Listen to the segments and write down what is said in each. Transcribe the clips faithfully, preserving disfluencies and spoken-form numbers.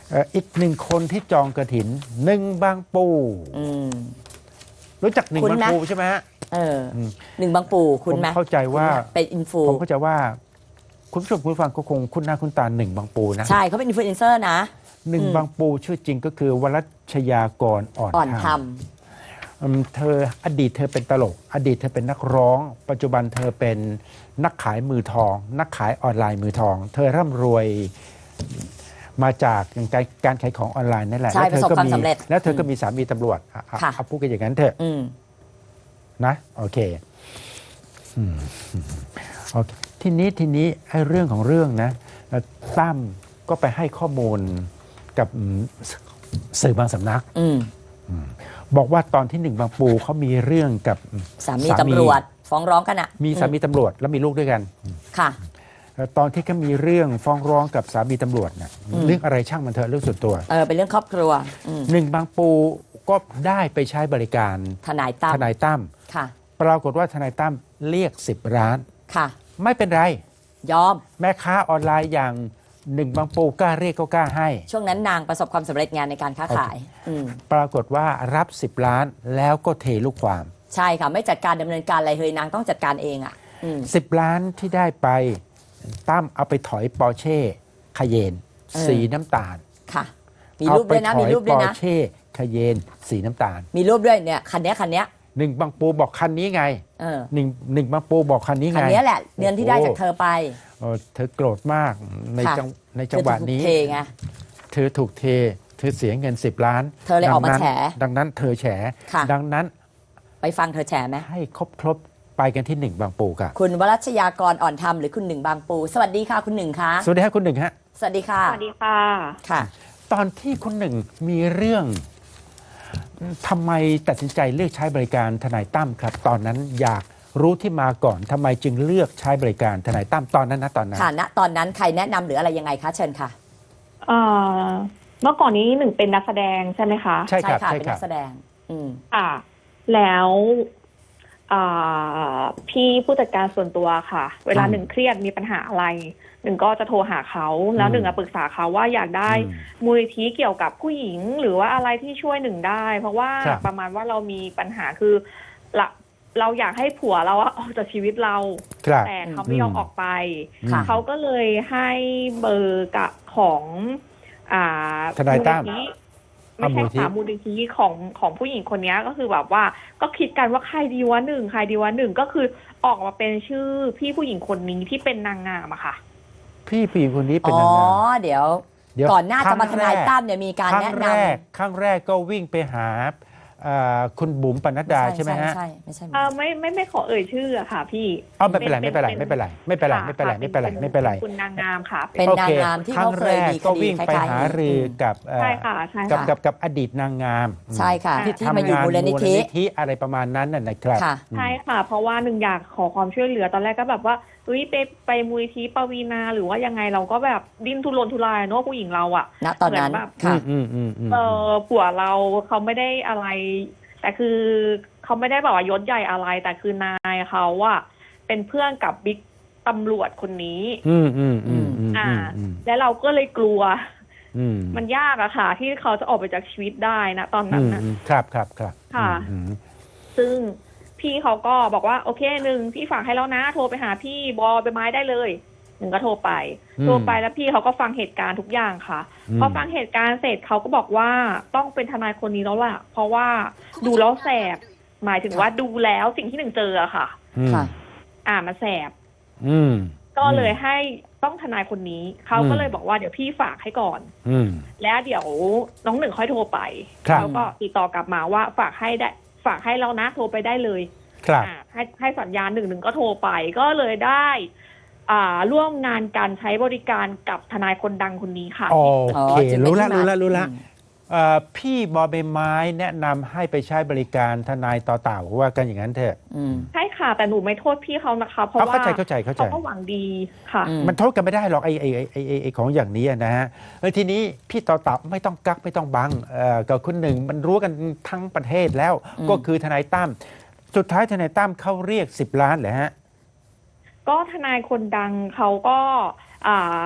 เอ่ออีกหนึ่งคนที่จองกระถินหนึ่งบางปูอืมรู้จักหนึ่งคุ้นบางไหมปูใช่ไหมฮะเอออมหนึ่งบางปู่คุณไหมผมเข้าใจว่าคุณเป็นอินฟูผมเข้าใจว่าคุณผู้ชมคุณผู้ฟังก็คงคุ้นหน้าคุ้นตาหนึ่งบางปูนะใช่เขาเป็นอินฟลูเอนเซอร์นะหนึ่งอืมบางปูชื่อจริงก็คือวรัชยากรอ่อนอ่อนธทรรมอืมเธออดีตเธอเป็นตลก อดีตเธอเป็นนักร้อง ปัจจุบันเธอเป็นนักขายมือทอง นักขายออนไลน์มือทอง เธอร่ำรวยมาจากการการขายของออนไลน์นั่นแหละใช่แล้วเธอก็ประสบความมีสำเร็จแล้วเธอก็มีสามีตำรวจอ่ะอ่ะค่ะเอาพูดกันอย่างนั้นเถอะำอืมนะโอเคอืมโอเคทีนี้ทีนี้ไอ้เรื่องของเรื่องนะเอ่อตั้มก็ไปให้ข้อมูลกับอืมสสื่อบางสำนักอืมบอกว่าตอนที่หนึ่งบางปูเขามีเรื่องกับสามีตำรวจฟ้องร้องกันอ่ะมีสามีตำรวจแล้วมีลูกด้วยกันค่ะเอ่อตอนที่เขามีเรื่องฟ้องร้องกับสามีตำรวจนะอืมเรื่องอะไรช่างมันเถอะเรื่องส่วนตัวเออเป็นเรื่องครอบครัวอืมหนึ่งบางปูก็ได้ไปใช้บริการทนายตั้มทนายตั้มค่ะปรากฏว่าทนายตั้มเรียกสิบล้านค่ะไม่เป็นไรยอมแม่ค้าออนไลน์อย่างหนึ่งบางปูกล้าเรียกก็กล้าให้ช่วงนั้นนางประสบความสำเร็จงานในการค้าขาย อืมปรากฏว่ารับสิบล้านแล้วก็เทลูกความใช่ค่ะ ไม่จัดการดำเนินการอะไรเลยนางต้องจัดการเองอ่ะ อืมสิบล้านที่ได้ไปตั้มเอาไปถอยปอร์เช่คาเยนเออสีน้ำตาลค่ะ มีรูปด้วยนะเอามีไปถอยรูปด้วยปอนะร์เช่คาเยน สีน้ำตาลมีรูปด้วยเนี่ยคันเนี้ยคันเนี้ยหนึ่งบางปูบอกคันนี้ไงเออหนึ่งหนึ่งบางปูบอกคันนี้คันไงเนี้ยแหละเงินที่ได้จากเธอไปโอ้เธอโกรธมากในค่ะจังในจังหวะนี้เธอถูกเทไงเธอถูกเท เธอเสียเงินสิบล้านเธอเลยออกมาดังนั้นแฉดังนั้นเธอแฉค่ะดังนั้นไปฟังเธอแฉไหมให้ครบครบไปกันที่หนึ่งบางปูครับคุณวรัชยากรอ่อนธรรมหรือคุณหนึ่งบางปู สวัสดีค่ะคุณหนึ่งคะสวัสดีครับคุณหนึ่งฮะสวัสดีค่ะสวัสดีค่ะค่ะตอนที่คุณหนึ่งมีเรื่องทำไมตัดสินใจเลือกใช้บริการทนายตั้มครับ ตอนนั้นอยากรู้ที่มาก่อนทำไมจึงเลือกใช้บริการทนายตั้มตอนนั้นนะตอนนั้นค่ะณตอนนั้นใครแนะนำหรืออะไรยังไงคะเชิญค่ะเอ่อ เมื่อก่อนนี้หนึ่งเป็นนักแสดงใช่ไหมคะใช่ครับค่ะใช่เป็นครันับกแสดง อืมค่ะ แล้วอ่าพี่ผู้จัดการส่วนตัวค่ะ เวลาอืมหนึ่งเครียดมีปัญหาอะไร หนึ่งก็จะโทรหาเขา แล้วอืมหนึ่งอะปรึกษาเขาว่าอยากได้อืมมูลนิธิเกี่ยวกับผู้หญิง หรือว่าอะไรที่ช่วยหนึ่งได้ เพราะว่าครับประมาณว่าเรามีปัญหาคือละเราอยากให้ผัวเราอะออกจากชีวิตเราครับแต่เขาไม่ยอมอืมออกไปค่ะเขาก็เลยให้เบอร์กับของอ่าทนายตั้มมูลนิธิอ่ะไม่ใช่มูลนิธิค่ะมูลนิธิของของผู้หญิงคนนี้ก็คือแบบว่า ก็คิดกันว่าใครดีวะหนึ่งใครดีวะหนึ่งก็คือออกมาเป็นชื่อพี่ผู้หญิงคนนี้ที่เป็นนางงามอะค่ะพี่ผู้หญิงคนนี้เป็นอ๋อนางงามเดี๋ยวเดี๋ยวก่อนหน้าจะมาทนายตั้มคเนี่ยมีการรั้งแนะแรนำกครั้งแรกก็วิ่งไปหาเอ่อคุณบุ๋มปนัดดาใช่ไหมฮะไม่ใช่ไม่ใช่ไม่เอ่ใช่อไม่ไม่ไม่ขอเอ่ยชื่ออะค่ะ พี่เอาไม่เป็นไรไม่เป็นไรไม่เป็นไรไม่เป็นไรไม่เป็นไรไม่เป็นไรไม่เป็นไรคุณนางงามค่ะเป็นโอนางเคงามที่ครั้เขางเคแรยกมีคก็ดีวิ่งคไปล้ายๆหานี้รือมกับเอ่อใช่ค่ะใช่กับค่ะกับกับอดีตนางงามใช่ค่ะ ที่ที่มาอยู่ทำงนมูลนิธิธิอะไรประมาณนั้นน่ะนะครับค่ะใช่ค่ะ เพราะว่าหนึ่งอยากขอความช่วยเหลือตอนแรกก็แบบว่าเฮ้ยไปไปมูลนิธิปวีนาหรือว่ายังไงเราก็แบบดิ้นทุรนทุรายเนอะผู้หญิงเราอะณตอนนั้นเหมือนแบบค่ะอืมอืมอืมเออผัวเราเขาไม่ได้อะไร แต่คือเขาไม่ได้แบบว่ายศใหญ่อะไร แต่คือนายเขาว่าเป็นเพื่อนกับบิ๊กตำรวจคนนี้อืมอืมอืมอืมอ่าอืมและเราก็เลยกลัวอืมมันยากอะค่ะ ที่เขาจะออกไปจากชีวิตได้นะตอนอืนั้นมนะอืมครับครับครับค่ะอืมซึ่งพี่เขาก็บอกว่าโอเคหนึ่งพี่ฝากให้แล้วนะโทรไปหาพี่บอใบไม้ได้เลยหนึ่งก็โทรไปอืมโทรไปแล้วพี่เขาก็ฟังเหตุการณ์ทุกอย่างค่ะอืมพอฟังเหตุการณ์เสร็จเขาก็บอกว่าต้องเป็นทนายคนนี้แล้วล่ะ เพราะว่าดูแล้วแสบหมายถึงว่าดูแล้วสิ่งที่หนึ่งเจออะค่ะอืมค่ะอ่ามันแสบอืมก็เลยให้ต้องทนายคนนี้เขาก็เลยบอกว่าเดี๋ยวพี่ฝากให้ก่อนอืมแล้วเดี๋ยวน้องหนึ่งค่อยโทรไปครับเขาก็ติดต่อกลับมาว่าฝากให้ได้ฝากให้แล้วนะโทรไปได้เลยครับอ่าให้ให้สัญญาณหนึ่งหนึ่งก็โทรไป ก็เลยได้ อ่าร่วมงานการใช้บริการกับทนายคนดังคนนี้ค่ะโออ๋อเคจึงเป็นรู้ละที่มารู้ละรู้ละอืมเอ่อพี่บอใบไม้แนะนำให้ไปใช้บริการทนายต่อเต่าว่ากันอย่างนั้นเถอะอืมใช่ค่ะแต่หนูไม่โทษพี่เขานะคะเพราะเอาว่าเข้าใจเข้าใจเข้าใจเขาก็หวังดีค่ะอืมมันโทษกันไม่ได้หรอกไอ้ไอ้ไอ้ไอ้ไอ้ไอ้ของอย่างนี้อะนะฮะเออทีนี้พี่ต่อเต่าไม่ต้องกักไม่ต้องบังเอ่อกับคุณหนึ่งมันรู้กันทั้งประเทศแล้วอืมก็คือทนายตั้มสุดท้ายทนายตั้มเขาเรียกสิบล้านเหรอฮะก็ทนายคนดังเขาก็อ่า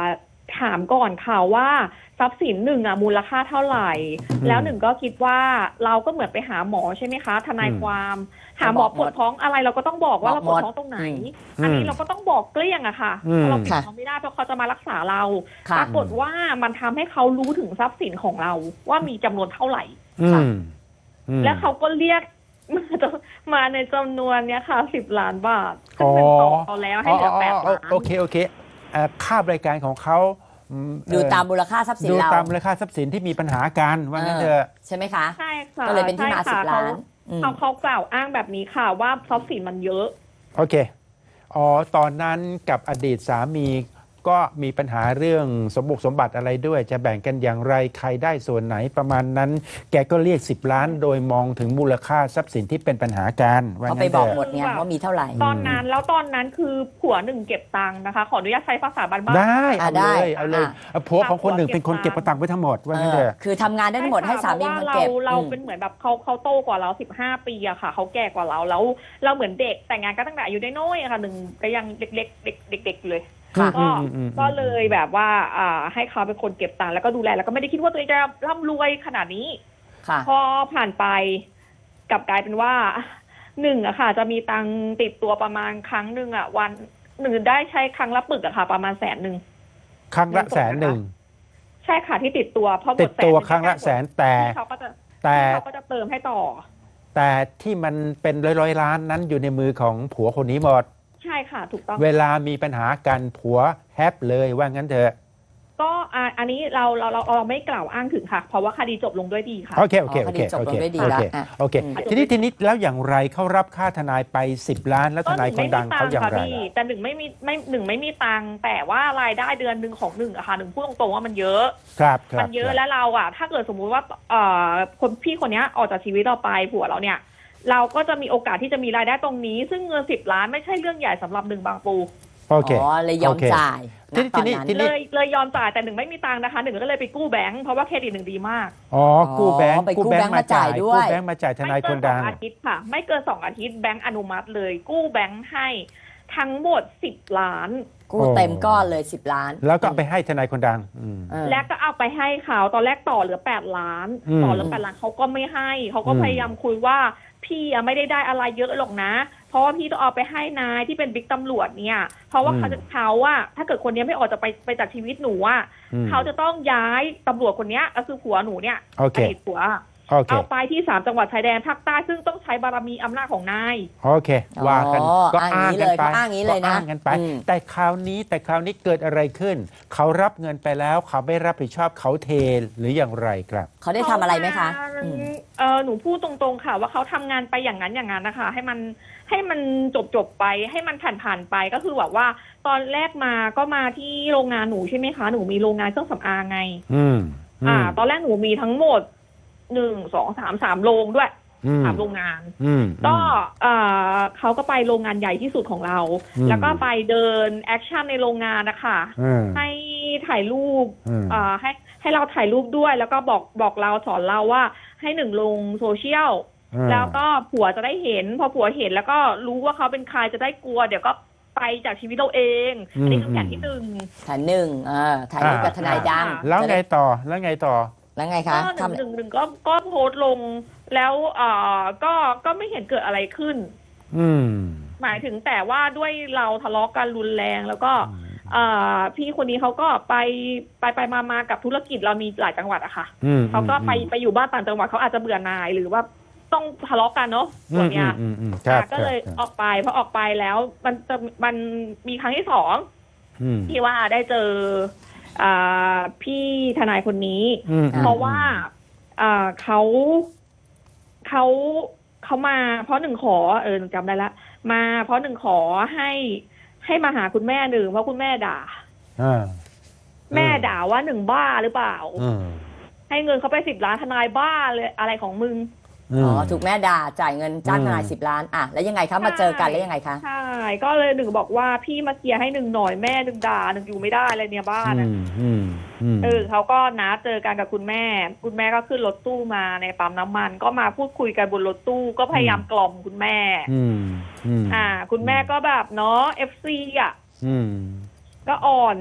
ถามก่อนค่ะว่าทรัพย์สินหนึ่งอ่ะมูลค่าเท่าไหร่อืมแล้วหนึ่งก็คิดว่าเราก็เหมือนไปหาหมอใช่ไหมคะทนายอืมความหาหมอปวดท้องอะไรเราก็ต้องบอกว่าบอเรากปวดหมดท้องตรงไหนอือันมนี้เราก็ต้องบอกเกลี้ยงอะค่ะอืมเพราะเราปิดค่ะเขาไม่ได้เพราะเขาจะมารักษาเราค่ะปรากฏว่ามันทำให้เขารู้ถึงทรัพย์สินของเราว่ามีจำนวนเท่าไหร่อืมอืมแล้วเขาก็เรียก มาจะมาในจำนวนเนี้ยค่ะสิบล้านบาทซึ่อ๋งอเป็นต่อเขาแล้วให้เหลือแปดอ๋อล้านโอเคโอเคเอ่อค่าบริการของเขาอืดูเอ่อตามมูลค่าทรัพย์สินดูเราตามมูลค่าทรัพย์สินที่มีปัญหากันว่างั้นเถอะใช่ไหมคะใช่ค่ะก็เลยเป็นที่มาใช่สิค่ะบล้านอืมเขาเขากล่าวอ้างแบบนี้ค่ะว่าทรัพย์สินมันเยอะโอเค อ๋อ ตอนนั้นกับอดีตสามีก็มีปัญหาเรื่องสมบุกสมบัติอะไรด้วย จะแบ่งกันอย่างไรใครได้ส่วนไหนประมาณนั้น แกก็เรียกสิบล้านโดยมองถึงมูลค่าทรัพย์สินที่เป็นปัญหากันว่าเขาไปงั้นบอกเถอะหมดไงว่ามีเท่าไหร่ตอนนั้นแล้วตอนนั้นคือผัวหนึ่งเก็บตังค์นะคะ ขออนุญาตใช้ภาษาบ้านๆได้อ่ะเอาได้เลยเอาเลยอ่ะเอาผัวของคนหนึ่งเป็นคนเก็บกระตังไว้ทั้งหมดว่างั้นเถอะคือทำงานได้ทั้งหมดให้สามีเพมันราะว่าเก็บเราเราอืมเป็นเหมือนแบบเขาเขาโตกว่าเราสิบห้าปีอะค่ะเขาแก่กว่าเราแล้วเราเหมือนเด็กแต่งงานก็ตั้งแต่อายุน้อยๆอะค่ะหนึ่งก็ยังเด็กๆเด็กเด็กๆอยู่เลยค่ะก็อืมอืมอืมก็เลยแบบว่าอ่าให้เขาเป็นคนเก็บตังค์แล้วก็ดูแลแล้วก็ไม่ได้คิดว่าตัวเองจะร่ำรวยขนาดนี้ค่ะพอผ่านไปกลับกลายเป็นว่าหนึ่งอะค่ะ จะมีตังค์ติดตัวประมาณครั้งหนึ่งอะวันหนึ่งได้ใช้ครั้งละปึกอะค่ะ ประมาณแสนหนึ่งครั้งละแสนหนึ่งใช่ค่ะที่ติดตัวเพราะหมติดดแสนตัวหนึ่งครั้งละแสนแต่ที่เขาก็จะแต่ที่เขาก็จะเติมให้ต่อแต่ที่มันเป็นร้อยร้อยๆล้านนั้นอยู่ในมือของผัวคนนี้หมดใช่ค่ะ ถูกต้องเวลามีปัญหากันผัวแฮปเลยว่างั้นเถอะก็อ่าอันนี้เราเราเราเราไม่กล่าวอ้างถึงค่ะ เพราะว่าคดีจบลงด้วยดีค่ะโอเคโอเคอ๋อโอคดีเคจบโอลเคงด้วยดีโอละเคอ่ะโอเคอืมทีนี้ทีนี้แล้วอย่างไรเขารับค่าทนายไปสิบล้าน แล้วทนายคนดังเขาอย่างไรพี่แต่หนึ่งไม่มีไม่หนึ่งไม่มีตังค์แต่ว่ารายได้เดือนหนึ่งของหนึ่งอะค่ะหนึ่งพูดตรงๆว่ามันเยอะครับครับมันเยอะครับแล้วเราอะถ้าเกิดสมมุติว่าเอ่อคนพี่คนเนี้ยออกจากชีวิตเราไปผัวเราเนี่ย เราก็จะมีโอกาสที่จะมีรายได้ตรงนี้ ซึ่งเงินสิบล้านไม่ใช่เรื่องใหญ่สำหรับหนึ่งบางปูโอเคอ๋อเลยยอมโอเคจ่ายทีณนี้ตอนทีนี้นั้นทีนี้เลยเลยยอมจ่ายแต่หนึ่งไม่มีตังค์นะคะหนึ่งก็เลยไปกู้แบงค์เพราะว่าเครดิตหนึ่งดีมากอ๋อกู้แบงค์อ๋อไปกู้แบงค์มาจ่ายด้วยกู้แบงค์มาจ่ายทนายคนดังไม่เกินสองอาทิตย์ค่ะ ไม่เกินสองอาทิตย์แบงค์อนุมัติเลย กู้แบงค์ให้ทั้งหมดสิบล้านกู้เต็มก้อนเลยสิบล้านแล้วก็เอาไปให้ทนายคนดังอืมเออและก็เอาไปให้เขาตอนแรกต่อเหลือแปดล้านอืมต่อเหลือแปดล้านเขาก็ไม่ให้เขาก็อืมพยายามคุยว่าพี่อะไม่ได้ได้อะไรเยอะหรอกนะ เพราะว่าพี่ต้องเอาไปให้นายที่เป็นบิ๊กตำรวจเนี่ย เพราะว่าเขาจะเขาว่าถ้าเกิดคนนี้ไม่ออกจะไปไปจากชีวิตหนูอ่ะอืมเขาจะต้องย้ายตำรวจคนเนี้ยก็คือผัวหนูเนี่ยโอเคอดีตผัวโอเคเอาไปที่สามจังหวัดชายแดนภาคใต้ซึ่งต้องใช้บารมีอำนาจของนายโอเค ว่ากันอ๋อก็อ้างอ้างกันไปเขาอ้างอย่างนี้เลยนะก็อ้างกันไปอืมแต่คราวนี้แต่คราวนี้เกิดอะไรขึ้น เขารับเงินไปแล้วเขาไม่รับผิดชอบเขาเทหรืออย่างไรครับเขาได้ทำอะไรไหมคะเขาอืมเออหนูพูดตรงๆค่ะ ว่าเขาทำงานไปอย่างนั้นอย่างนั้นนะคะ ให้มันให้มันจบจบๆไป ให้มันผ่านผ่านๆไปก็คือแบบว่า ตอนแรกมาก็มาที่โรงงานหนูใช่ไหมคะหนูมีโรงงานเครื่องสำอางไงอืมอ่า ตอนแรกหนูมีทั้งหมดหนึ่งสองสามสามโรงด้วยอืมสามโรงงานอืมก็เอ่อเขาก็ไปโรงงานใหญ่ที่สุดของเราอืมแล้วก็ไปเดินแอคชั่นในโรงงานนะคะอืมให้ถ่ายรูปอืมเอ่อให้ให้เราถ่ายรูปด้วย แล้วก็บอกบอกเราสอนเราว่าให้หนึ่งลงโซเชียล แล้วก็ผัวจะได้เห็น พอผัวเห็นแล้วก็รู้ว่าเขาเป็นใครจะได้กลัว เดี๋ยวก็ไปจากชีวิตเราเอง อันนี้คือแผนที่หนึ่งแผนหนึ่งเออถ่ายรูปกับทนายดังแล้วไงต่อแล้วไงต่อแล้วไงก็คะหนึ่งทำหนึ่งหนึ่งก็ก็โพสต์ลง แล้วเอ่อก็ก็ไม่เห็นเกิดอะไรขึ้นอืมหมายถึงแต่ว่าด้วยเราทะเลาะกันรุนแรงแล้วก็เอ่อพี่คนนี้เขาก็ไปไปไปมามากับธุรกิจเรามีหลายจังหวัดอะค่ะอืมเขาก็ไปไปอยู่บ้านต่างจังหวัดเขาอาจจะเบื่อหน่ายหรือว่าต้องทะเลาะกันเนาะอืส่วมนเนี้ยอืมอืมครับอ่ะก็เลยครับออกไปพอออกไปแล้วมันจะมันมีครั้งที่สองอืมที่ว่าได้เจออ่าพี่ทนายคนนี้อืมเพราะว่าอ่าเขาเขาเขามา เพราะหนึ่งขอเออหนูจำได้ละมาเพราะหนึ่งขอให้ให้มาหาคุณแม่หนึ่งเพราะคุณแม่ด่าอ่าแม่ด่าว่าหนึ่งบ้าหรือเปล่าอืมให้เงินเขาไปสิบล้านทนายบ้าเลยอะไรของมึงอ๋อถูกแม่ด่าจ่ายเงินจ้างทนายอืมสิบล้านอ่ะแล้วยังไงคะมาเจอกันแล้วยังไงคะใช่ก็เลยหนึ่งบอกว่าพี่มาเคลียร์ให้หนึ่งหน่อยแม่หนึ่งด่าหนึ่งอยู่ไม่ได้เลยเนี่ยบ้านอือะมอืมอืมเออเขาก็นัดเจอกันกับคุณแม่ คุณแม่ก็ขึ้นรถตู้มาในปั๊มน้ำมัน ก็มาพูดคุยกันบนรถตู้ก็พยายามกล่อมคุณแม่อืมอืมอ่า คุณแม่ก็แบบเนาะเอฟซีอ่ะอืมก็อ่อน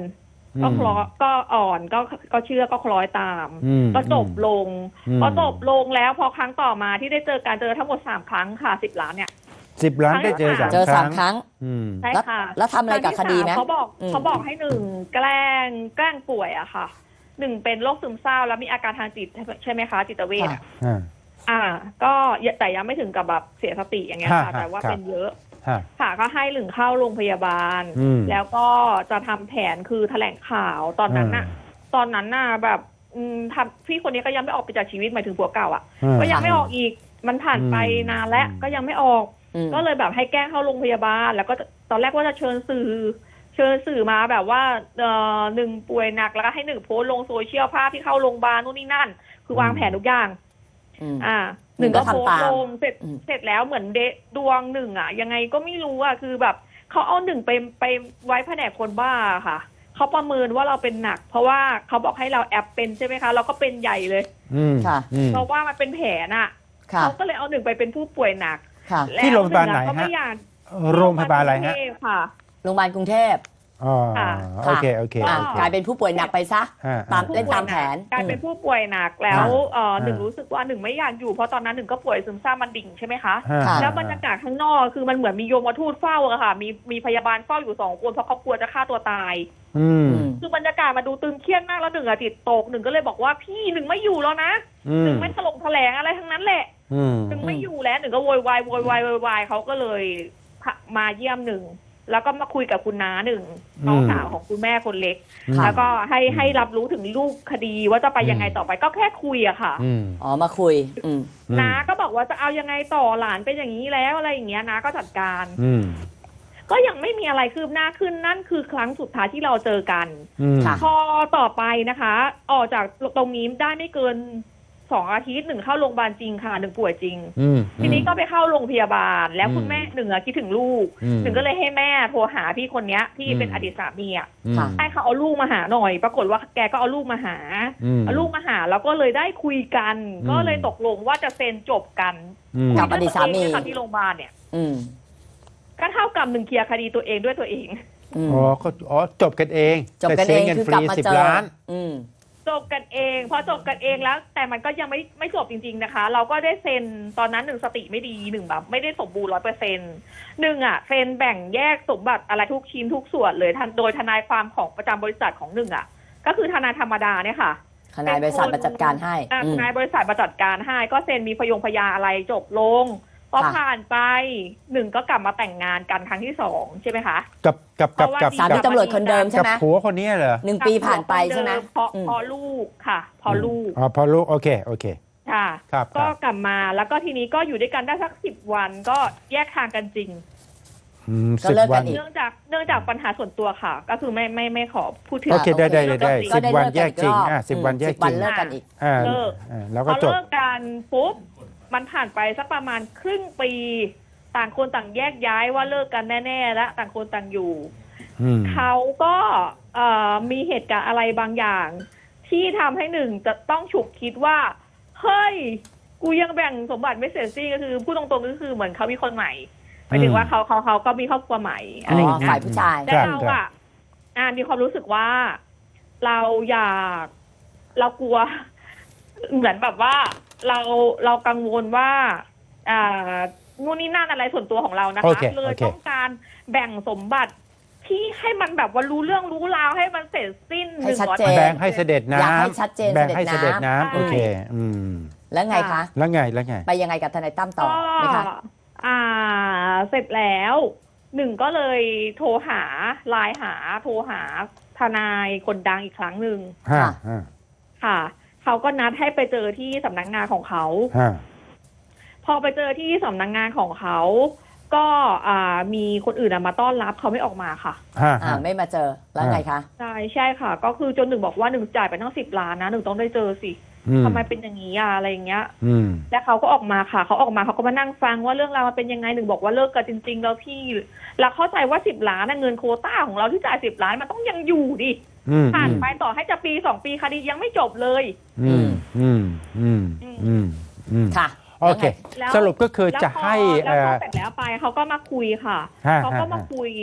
ก็คล้อก็อ่อนก็ก็เชื่อก็คล้อยตามอืมก็จบลงอืมพอจบลงแล้วพอครั้งต่อมาที่ได้เจอการเจอทั้งหมดสามครั้งค่ะสิบล้านเนี่ยสิบล้านได้เจอสามเจอคสารั้มงครั้งอืมใช่ค่ะแล้วทำอะไรกับคดีไหมรั้งที่สามเขาบอกอืมเขาบอกให้หนึ่งแกล้งแกล้งป่วยอะค่ะหนึ่งเป็นโรคซึมเศร้าแล้วมีอาการทางจิตใช่ไหมคะจิตเวชอะอ่าอ่า ก็แต่ยังไม่ถึงกับแบบเสียสติอย่างเงี้ยฮะค่ะ แต่ว่าครับเป็นเยอะฮะค่ะก็ให้หนึ่งเข้าโรงพยาบาลอืมแล้วก็จะทำแผนคือแถลงข่าวตอนนั้นน่ะ ตอนนั้นน่ะแบบอืมทำพี่คนนี้ก็ยังไม่ออกไปจากชีวิตหมายถึงผัวเก่าอ่ะอืมก็ยังไม่ออกอีกมันผ่านไปอืมนานแล้วอืมก็ยังไม่ออกอืมก็เลยแบบให้แกล้งเข้าโรงพยาบาล แล้วก็ตอนแรกว่าจะเชิญสื่อ เชิญสื่อมาแบบว่าเอ่อหนึ่งป่วยหนักแล้วก็ให้หนึ่งโพสต์ลงโซเชียลภาพที่เข้าโรงพยาบาลนู่นนี่นั่น คือวางแผนทุกอย่างอืมอ่าหหนึ่นึ่งงก็ก็โพสทำตามต์ลงเสร็จอืมเสร็จแล้วเหมือนเดะดวงหนึ่งอ่ะ ยังไงก็ไม่รู้อ่ะคือแบบเขาเอาหนึ่งไปไปไว้แผนกคนบ้าค่ะเขาประเมินว่าเราเป็นหนัก เพราะว่าเขาบอกให้เราแอบเป็นใช่ไหมคะ เราก็เป็นใหญ่เลยอืมค่ะอืมเพราะว่ามันเป็นแผลน่ะค่ะเขาก็เลยเอาหนึ่งไปเป็นผู้ป่วยหนักค่ะแล้วที่โรงพยาบาลไหนงอะก็ไม่ฮะอยากโรงพยาบาลอะไรฮะที่โงพยาบาลกรุงเทพค่ะโรงพยาบาลกรุงเทพอ๋อค่ะโอเคโอเคอ่ะโอเคกลายเป็นผู้ป่วยหนักไปซะอ่าตามอ่าเล่นตามแผนกลายเป็นอืมผู้ป่วยหนักแล้วอ่าเอ่อหนึ่งอ่ารู้รู้สึกว่าหนึ่งไม่อยากอยู่เพราะตอนนั้นหนึ่งก็ป่วยซึมเศร้ามันดิ่งใช่ไหมคะอ่าค่ะแล้วบรรยากาศข้างนอกคือมันเหมือนมีโยมทูตเฝ้าอะค่ะ มีมีพยาบาลเฝ้าอยู่สองคนเพราะเขากลัวจะฆ่าตัวตายอืมอืมคือบรรยากาศมาดูตึงเครียดมากแล้วหนึ่งอะจิตตกหนึ่งก็เลยบอกว่าพี่หนึ่งไม่อยู่แล้วนะอืหมนึ่งไม่ถลงแถลงอะไรทั้งนั้นแหละอืมหนึ่งไม่อยู่แล้วหนึ่งก็โวยวายโวยวายโวยวายเขาก็เลยมาเยี่ยมหนึ่งแล้วก็มาคุยกับคุณน้าหนึ่งน้องสาวของคุณแม่คนเล็กค่ะแล้วก็ให้ให้รับรู้ถึงรูปคดีว่าจะไปยังไงต่อไปก็แค่คุยอะค่ะอืมอ๋อ มาคุย อืมน้าก็บอกว่าจะเอายังไงต่อหลานเป็นอย่างนี้แล้วอะไรอย่างเงี้ยน้าก็จัดการอืมก็ยังไม่มีอะไรคืบหน้าขึ้นนั่นคือครั้งสุดท้ายที่เราเจอกันอืมค่ะพอต่อไปนะคะ ออกจากตรงนี้ได้ไม่เกินสองอาทิตย์หนึ่งเข้าโรงพยาบาลจริงค่ะหนึ่งป่วยจริงอืมทีนี้ก็ไปเข้าโรงพยาบาล แล้วอืมคุณแม่หนึ่งอะคิดถึงลูกอืมหนึ่งก็เลยให้แม่โทรหาพี่คนเนี้ยที่เป็นอืมอดีตสามีอะอืมค่ะให้เขาเอาลูกมาหาหน่อย ปรากฏว่าแกก็เอาลูกมาหาอืมเอาลูกมาหาแล้วก็เลยได้คุยกันอืมก็เลยตกลงว่าจะเซ็นจบกันอืมกับอดีตสามีคุยด้วยตัวเองเนี่ยค่ะที่โรงพยาบาลเนี่ยอืมก็เท่ากับหนึ่งเคลียร์คดีตัวเองด้วยตัวเองอืมอ๋อก็อ๋อจบกันเองจบกันแต่เอสียงงินคือฟกลับรีมาสิบเจอล้านอืมจบกันเองพอจบกันเองแล้ว แต่มันก็ยังไม่ไม่จบจริง ๆนะคะ เราก็ได้เซ็นตอนนั้นหนึ่งสติไม่ดีหนึ่งแบบไม่ได้สมบูรณ์ร้อยเปอร์เซ็นต์หนึ่งอ่ะเซ็นแบ่งแยกสมบัติอะไรทุกชิ้นทุกส่วนเลยทันโดยทนายความของประจำบริษัทของหนึ่งอ่ะ ก็คือทนายธรรมดาเนี่ยค่ะทนายบริษัทมาจัดการให้อ่ะอืทมนายบริษัทมาจัดการให้ก็เซ็นมีพยงพยาอะไรจบลงพอค่ะผ่านไปหนึ่งก็กลับมาแต่งงานกันครั้งที่สองใช่ไหมคะกับกับกับกับสามีตำรวจคนเดิมใช่กับไหมผัวคนนี้เหรอหนึ่งปีผ่านไปใช่ไหมเพราะอืมพอลูกค่ะ พอลูกอ๋อพอลูกโอเคโอเคค่ะครับคก็รับกลับมาแล้วก็ทีนี้ก็อยู่ด้วยกันได้สักสิบวันก็แยกทางกันจริงอืมก็สิบเลิกกันวันอีกเนื่องจากเนื่องจากปัญหาส่วนตัวค่ะ ก็คือไม่ไม่ไม่ขอพูดถึงโอเคได้ได้ได้ได้ก็สิบได้วันเลิกแยกันกอีจริงรอบอ่ะสิบวันแยกสิบจวัรินงเลิกกันอีกอ่าเลิกอ่าแล้วพก็อจบเลิกกันปุ๊บมันผ่านไปสักประมาณครึ่งปี ต่างคนต่างแยกย้ายว่าเลิกกันแน่ๆแล้วต่างคนต่างอยู่อืมเขาก็เอ่อมีเหตุการณ์อะไรบางอย่าง ที่ทำให้หนึ่งจะต้องฉุกคิดว่าเฮ้ยกูยังแบ่งสมบัติไม่เสร็จสิ้นก็คือพูดตรงๆก็คือเหมือนเขามีคนใหม่หมายถึงว่าเขาเขาเขาก็มีครอบครัวใหม่อะอ๋ไรอย่างอเงี้ฝ่าย ยผู้ชายแต่เราอะอ่ามีความรู้สึกว่าเราอยากเรากลัว เหมือนแบบว่าเราเรากังวลว่า อ่านู่นนี่นั่นอะไรส่วนตัวของเรานะโอคะเคเลยโอเคต้องการแบ่งสมบัติที่ให้มันแบบว่ารู้เรื่องรู้ราวให้มันเสร็จสิ้นให้ชัดเจนแบ่งให้เสด็จน้อยากให้ำชัดเจนแบ่งให้เสเสด็ด็จจน้ำน้ำโอเค อืมแล้วไงคะแล้วไงแล้วไงไปยังไงกับทนายตั้มต่อก็ไหมคะอ่า เสร็จแล้วหนึ่งก็เลยโทรหาไลน์หา โทรหาทนายคนดังอีกครั้งหนึ่งฮะค่ะฮะค่ะเขาก็นัดให้ไปเจอที่สำนักงานของเขาฮะพอไปเจอที่สำนักงานของเขา ก็อ่ามีคนอื่นอะมาต้อนรับเขาไม่ออกมาค่ะฮะอ่าฮะไม่มาเจอ แล้วไงคะใช่ใช่ค่ะ ก็คือจนหนึ่งบอกว่าหนึ่งจ่ายไปตั้งสิบล้านนะหนึ่งต้องได้เจอสิอืมทำไมเป็นอย่างนี้อะอะไรอย่างเงี้ยอืมแล้วเขาก็ออกมาค่ะเขาออกมาเขาก็มานั่งฟังว่าเรื่องราวมันเป็นยังไงหนึ่งบอกว่าเลิกกันจริง ๆ แล้วพี่แล้วเข้าใจว่าสิบล้านนะเงินโควต้าของเราที่จ่ายสิบล้านมันต้องยังอยู่ดิอืมผ่านไปต่อให้จะปีสองปีคดียังไม่จบเลยอืมอืมอืมอืมอืมค่ะโอเคแล้วสรุปก็คือแล้วจะพอให้แล้วเอ่พออเสร็จแล้วไปเขาก็มาคุยค่ะฮะเขาก็ฮะมาคุย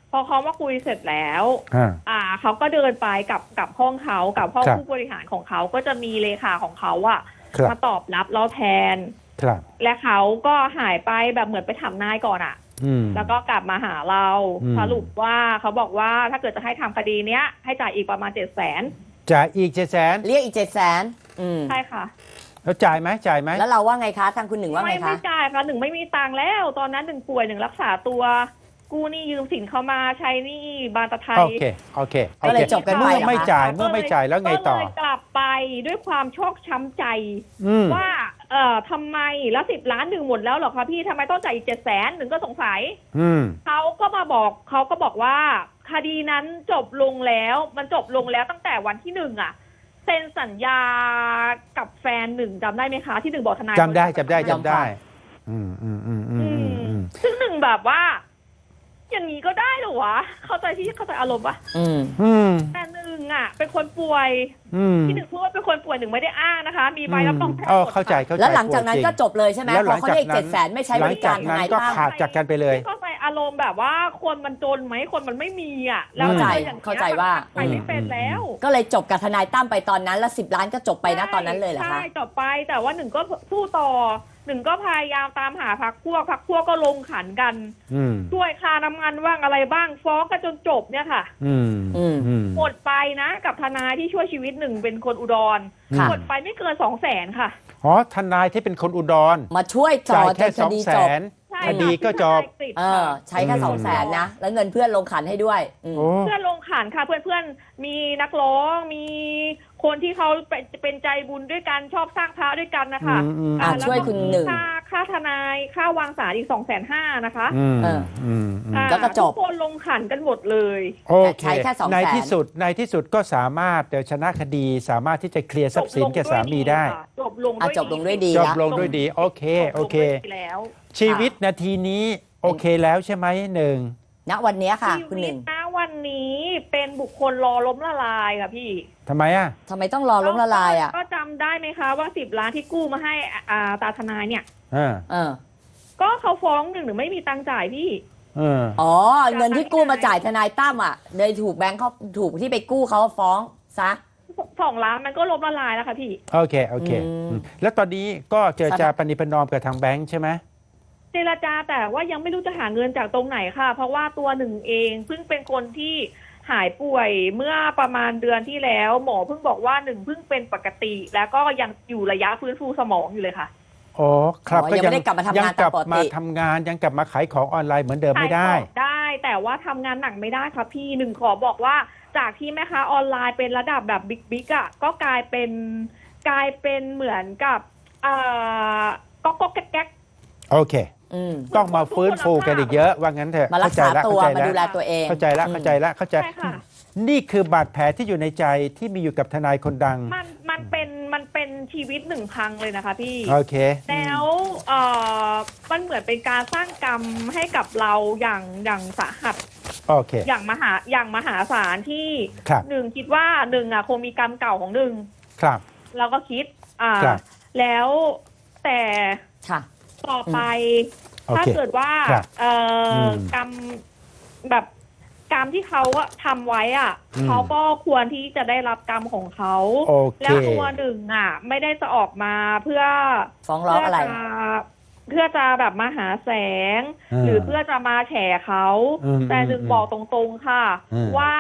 พอเขามาคุยเสร็จแล้วอ่าอ่าเขาก็เดินไปกับกับห้องเขากับห้องครับผู้บริหารของเขาก็จะมีเลขาของเขาอะครับมาตอบรับเราแทนครับและเขาก็หายไปแบบเหมือนไปถามนายก่อนอะอืมแล้วก็กลับมาหาเราอืมสรุปว่าเขาบอกว่าถ้าเกิดจะให้ทำคดีเนี้ยให้จ่ายอีกประมาณเจ็ดแสนจ่ายอีกเจ็ดแสนเรียกอีกเจ็ดแสนอืมใช่ค่ะแล้วจ่ายไหมจ่ายไหมแล้วเราว่าไงคะทางคุณหนึ่งว่าไงไม่คะไม่จ่ายค่ะหนึ่งไม่มีตังค์แล้ว ตอนนั้นหนึ่งป่วยหนึ่งรักษาตัว กู้หนี้ยืมสินเขามาใช้หนี้บานตะไทยโอเคโอเคโอก็เคเลยจบกันไปเมื่อเหรอคะไม่จ่ายเมื่อไม่จ่ายแล้วไงต่อก็เลยกลับไปด้วยความชอกช้ำใจอืมว่าเอ่อทำไมแล้วสิบล้านหนึ่งหมดแล้วเหรอคะพี่ทำไมต้องจ่ายอีกเจ็ดแสนหนึ่งก็สงสัยอืมเขาก็มาบอกเขาก็บอกว่า คดีนั้นจบลงแล้ว มันจบลงแล้วตั้งแต่วันที่หนึ่งอะเซ็นสัญญากับแฟนหนึ่งจำได้ไหมคะ ที่หนึ่งบอกทนายจำได้จำได้ยอมจำได้ฟังอืมอืมอืมอือืมอืมมอืมซึ่งหนึ่งแบบว่า อย่างนี้ก็ได้เหรอวะ เข้าใจที่เข้าใจอารมณ์ปะอืมอืมแต่หนึ่งอะเป็นคนป่วยอืมที่หนึ่งพูดว่าเป็นคนป่วยหนึ่งไม่ได้อ้างนะคะ มีใบรับรองแพทย์อ๋อหมดเข้าใจค่ะเข้าใจแล้วหลังจากนั้นก็จบเลยใช่ไหมแล้วพหอลังเขาจากเรียกนั้เจ็ดนแสนไม่ใช้หบลังริจาการกทนั้นนายก็ตั้มขาดจากกันไปเลยเข้าใจอารมณ์แบบว่าคนมันจนไหมคนมันไม่มีอ่ะแล้วเข้าใจอย่างนี้ยเข้าใจว่าไปไม่เป็นแล้วก็เลยจบกับทนายตั้มไปตอนนั้น แล้วสิบล้านก็จบไปนะตอนนั้นเลยเหรอคะใช่จบไปแต่ว่าหนึ่งก็สู้ต่อหนึ่งก็พยายามตามหาพักพวกพักพวกก็ลงขันกันอืมช่วยค่าน้ำมันว่างอะไรบ้างฟ้องกันจนจบเนี่ยค่ะอืมอืมอืมหมดไปนะกับทนายที่ช่วยชีวิตหนึ่งเป็นคนอุดรค่ะหมดไปไม่เกินสองแสนค่ะอ๋อทนายที่เป็นคนอุดรมาช่วยต่จ่าอย จแค่นคสองดีแสจบนใช่คดีก็จบทนายกฤษเออค่ะใช้แค่อืมสองแสนนะ แล้วเงินเพื่อนลงขันให้ด้วยอืมโอ้เพื่อนลงขันค่ะเพื่อนเพื่อนๆมีนักร้องมีคนที่เขาเป็นเป็นใจบุญด้วยกันชอบสร้างพระด้วยกันนะคะอืมอืมอ่ะแล้วช่วยคุณหนึ่งค่าค่าทนายค่าวางสารอีกสองแสนห้านะคะอืมเอออืมอืมอ่าแล้วก็จบทุกคนลงขันกันหมดเลยโอเคใช้แค่สองแสนในที่สุดในที่สุดก็สามารถเดี๋ยวชนะคดีสามารถที่จะเคลียร์ทรัพย์สินแก่สามีได้ค่ะจบลงอ่ะด้วยจบลงด้วยดีจบละลงด้วยดี โอเค โอเคจบลงด้วยดีแล้วชีวิตนาทีนี้โอเคแล้วใช่ไหมหนึ่งณวันเนี้ยค่ะชีคุณหวินึ่ตงนะวันนี้เป็นบุคคลรอล้มละลายค่ะพี่ทำไมอ่ะทำไมต้องรอล้มละลายอ่ะก็จำได้ไหมคะว่าสิบล้านที่กู้มาให้อ่าตาทนายเนี่ยอ่าเออก็เขาฟ้องหนึ่งหรือไม่มีตังค์จ่ายพี่เอออ๋อ เงินที่กู้มาจ่ายทนายตั้มอ่ะเลยถูกแบงค์เขาถูกที่ไปกู้เขาฟ้องซะสองล้านมันก็ล้มละลายแล้วค่ะพี่โอเค โอเคอืมอืมแล้วตอนนี้ก็เจรจาปณิประนอมกับทางแบงค์ใช่ไหมเจรจาแต่ว่ายังไม่รู้จะหาเงินจากตรงไหนค่ะ เพราะว่าตัวหนึ่งเองเพิ่งเป็นคนที่หายป่วยเมื่อประมาณเดือนที่แล้ว หมอเพิ่งบอกว่าหนึ่งเพิ่งเป็นปกติ แล้วก็ยังอยู่ระยะฟื้นฟูสมองอยู่เลยค่ะอ๋อ ครับอ๋อยังไม่ได้กลับมาทำงานยังกลับตามปกติมาทำงานยังกลับมาขายของออนไลน์เหมือนเดิมไม่ได้ขายของได้แต่ว่าทำงานหนักไม่ได้ค่ะพี่หนึ่งขอบอกว่าจากที่แม่ค้าออนไลน์เป็นระดับแบบบิ๊กบิ๊กอ่ะก็กลายเป็นกลายเป็นเหมือนกับเอ่อก็ก็แก๊กโอเคอืมต้องมาฟื้นฟูกันอีกเยอะ ว่างั้นเถอะมารักษาตัวเข้ใจมาแล้วดูแลตัวเองเข้าใจแล้วอืมเข้าใจแล้วเข้าใจใช่ค่ะนี่คือบาดแผลที่อยู่ในใจที่มีอยู่กับทนายคนดังมันมันเป็นมันเป็นชีวิตหนึ่งพังเลยนะคะพี่โอเคแล้วเอ่อมันเหมือนเป็นการสร้างกรรมให้กับเราอย่างอย่างสาหัสโอเคอย่างมหาอย่างมหาศาลที่ครับหนึ่งคิดว่าหนึ่งอ่ะคงมีกรรมเก่าของหนึ่งครับเราก็คิด อ่าครับแล้วแต่ค่ะต่อไปโอถ้าเคเกิดว่าครับเอ่ออมกรรมแบบกรรมที่เขาอะทำไว้อ่ะอืมเขาก็ควรที่จะได้รับกรรมของเขาโอเคแล้วตัวหนึ่งอ่ะ ไม่ได้จะออกมาเพื่อฟ้องร้องอะไรเพื่จะเพื่อจะแบบมาหาแสงอ่าหรือเพื่อจะมาแฉเขาอืมแต่หนึ่งอืมบอกตรงๆค่ะอืมว่า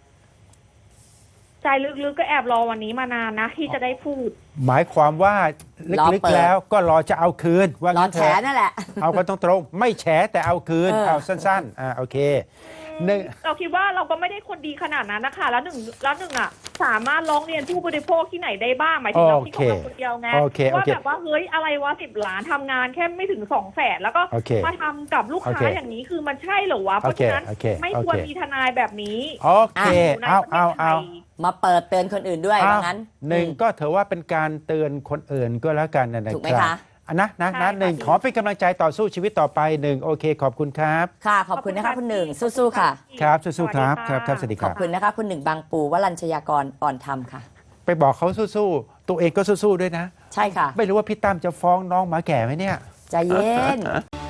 ใจลึกๆก็แอบรอวันนี้มานานนะ ที่จะได้พูดหมายความว่ารอลึกเปิดๆแล้วก็รอจะเอาคืน ว่าร้องั้นนแฉเถอะนั่นแหละเอากันตรงๆไม่แฉแต่เอาคืนเออเอาสั้นๆอ่าโอเคหนึ่งเราคิดว่าเราก็ไม่ได้คนดีขนาดนั้นนะคะ แล้วหนึ่งแล้วหนึ่งอ่ะ สามารถร้องเรียนผู้บริโภคที่ไหนได้บ้างหมายถึงเราที่ของเราคนเดียวไงโอเคโอว่าเคแบบว่าเฮ้ยอะไรวะสิบล้านทำงานแค่ไม่ถึงสองแสนแล้วก็โอเคมาทำกับลูกค้าโอเคอย่างนี้คือมันใช่เหรอวะเพราะฉะนั้นโอเคโอเคไม่ควรโอเคมีทนายแบบนี้โอเคอยู่ในเอาประเทเอาศไทเอายมาเปิดเตือนคนอื่นด้วยเอาว่างั้นหนึ่งอืมก็ถือว่าเป็นการเตือนคนอื่นก็แล้วกันนะถูกไหมรับคะอ่นะนะใช่นะค่ะหนึ่งพี่ขอเป็นกำลังใจต่อสู้ชีวิตต่อไปหนึ่งโอเค ขอบคุณครับค่ะ ขอบคุณนะคะคุณหนึ่ง สู้ๆค่ะครับสู้ๆครับสควัรับสดีครับสวัสดีคขรัอบบ คุณนะคะคุณหนึ่งบางปูวรัญชยากรอ่อนธรรมค่ะไปบอกเขาสู้ๆตัวเองก็สู้ๆด้วยนะใช่ค่ะไม่รู้ว่าพี่ตั้มจะฟ้องน้องหมาแก่ไหมเนี่ยใจเย็น